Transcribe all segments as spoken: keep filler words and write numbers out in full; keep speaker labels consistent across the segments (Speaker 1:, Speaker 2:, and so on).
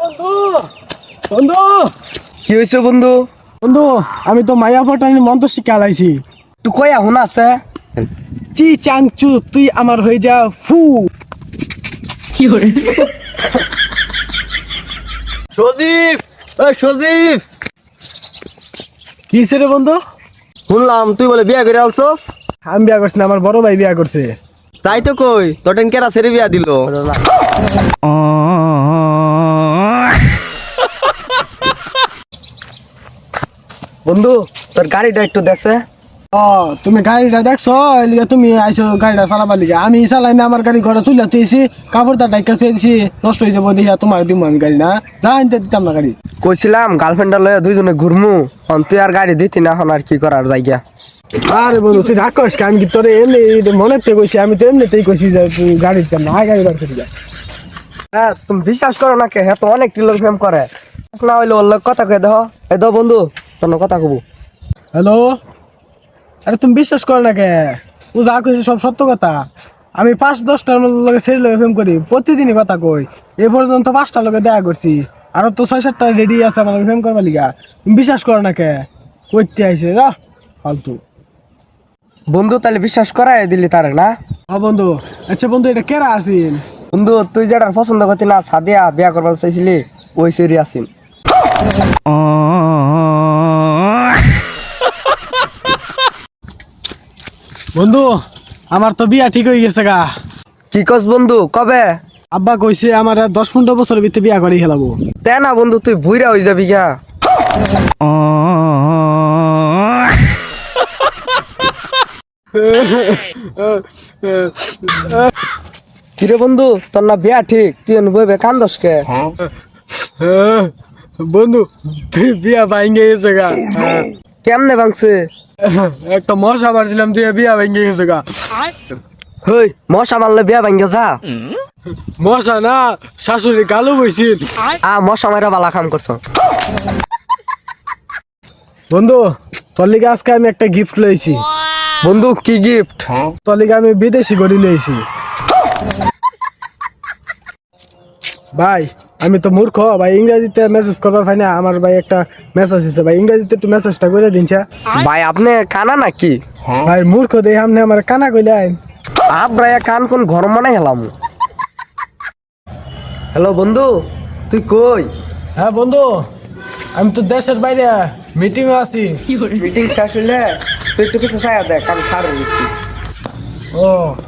Speaker 1: বন্ধু বন্ধু
Speaker 2: কি হয়েছে বন্ধু?
Speaker 1: বন্ধু আমি তো মায়া পটানি মন্ত্র শিক্ষা লাইছি।
Speaker 2: তুই কই এখন আছে?
Speaker 1: চি চাংচু তুই আমার হয়ে যা ফু।
Speaker 2: কি করে? সজীব, ওই সজীব,
Speaker 1: কি হইছে রে বন্ধু?
Speaker 2: শুনলাম তুই বলে বিয়া করে আলছস।
Speaker 1: আমি বিয়া করছি না, আমার বড় ভাই বিয়া করছে।
Speaker 2: তাই তো কই তোর টেন কেরা ছেড়ে বিয়া দিল। বন্ধু তোর গাড়িটা একটু দেখছে।
Speaker 1: ও তুমি গাড়িটা দেখছো, এলিগে তুমি আইছো গাড়িটা চালাবার লিগে। আমি চালাই না, আমার গাড়ি ঘরে তুলে তুইছি, কাপড়টা ডাইকা তুইছি, নষ্ট হয়ে যাবো দিয়া তোমার দিমু আমি গাড়ি না, যা আনতে দিতাম না গাড়ি।
Speaker 2: কইছিলাম গার্লফ্রেন্ডটা লয়ে দুইজনে ঘুরমু, অন তুই আর গাড়ি দিতি না, এখন আর কি করার জায়গা।
Speaker 1: আরে বন্ধু তুই রাগ করিস, আমি কি তোর এমনি মনে থেকে কইছি, আমি তো এমনিতেই কইছি যে তুই গাড়ি দিতাম না, গাড়ি বার করে যা।
Speaker 2: হ্যাঁ তুমি বিশ্বাস করো না কে? হ্যাঁ তো অনেক টিলোর প্রেম করে না হইলে ওর লগে কথা কয়ে দেহ। এই দাও বন্ধু তোর লগে কথা কব।
Speaker 1: হ্যালো, আরে তুমি বিশ্বাস করো না কে? ও যা কইছে সব সত্য কথা। আমি পাঁচ দশটার লগে ছেড়ে লগে ফেম করি, প্রতিদিনই কথা কই। এ পর্যন্ত পাঁচটার লগে দেখা করছি, আরো তো ছয় সাতটা রেডি আছে আমার লগে ফেম করবার লিগা। তুমি বিশ্বাস করো না কে? কইতে আইছে যা ফালতু।
Speaker 2: বন্ধু তাহলে বিশ্বাস করাই দিলি তারে না?
Speaker 1: ও বন্ধু, আচ্ছা বন্ধু এটা কেরা আছিস?
Speaker 2: বন্ধু তুই যেটা পছন্দ করতি না, সাদিয়া বিয়া করবার চাইছিলি, ওই সেরি আসিন।
Speaker 1: বন্ধু আমার তো বিয়া ঠিক হয়ে গেছে গা।
Speaker 2: কি কস বন্ধু, কবে?
Speaker 1: আব্বা কইছে আমার আর দশ পনেরো বছরের ভিতরে বিয়া করে খেলাবো।
Speaker 2: তে না বন্ধু তুই বুইরা হয়ে যাবি গা। কিরে বন্ধু তোর না বিয়া ঠিক, তুই বইবে কান্দস কে?
Speaker 1: বন্ধু বি- বিয়া ভাঙ্গে গেছে গা।
Speaker 2: কেমনে ভাঙছে?
Speaker 1: একটা মশা মারছিলাম দিয়ে বিয়া ভেঙে গেছে গা।
Speaker 2: হই মশা মারলে বিয়া ভাঙ্গে যা।
Speaker 1: মশা না, শাশুড়ি কালো বইছিল।
Speaker 2: আ মশা মারা বালা কাম করছ।
Speaker 1: বন্ধু তোর লিগে আজকে আমি একটা গিফট লইছি।
Speaker 2: বন্ধু কি গিফট?
Speaker 1: তোর লিগে আমি বিদেশি গড়ি লইছি। ভাই আমি তো মূর্খ ভাই, ইংরেজিতে মেসেজ করবার পাই না। আমার ভাই একটা মেসেজ দিছে ভাই, ইংরেজিতে একটু মেসেজটা করে দিনছা।
Speaker 2: ভাই আপনি কানা নাকি?
Speaker 1: ভাই মূর্খ দেই আপনি আমার কানা কইলেন।
Speaker 2: আব্রায়া কান কোন ঘর মানাই হেলাম। হ্যালো বন্ধু তুই কই?
Speaker 1: হ্যাঁ বন্ধু আমি তো দেশের বাইরে মিটিং এ আছি।
Speaker 2: মিটিং শেষ হইলে তুই একটু কিছু চাই দেখ, আমি খার হয়েছি।
Speaker 1: ও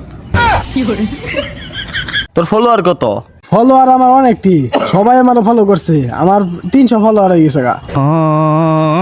Speaker 2: তোর ফলোয়ার কত?
Speaker 1: ফলোয়ার আমার অনেকটি, সবাই আমার ফলো করছে, আমার তিনশো ফলোয়ার হয়ে গেছে গা।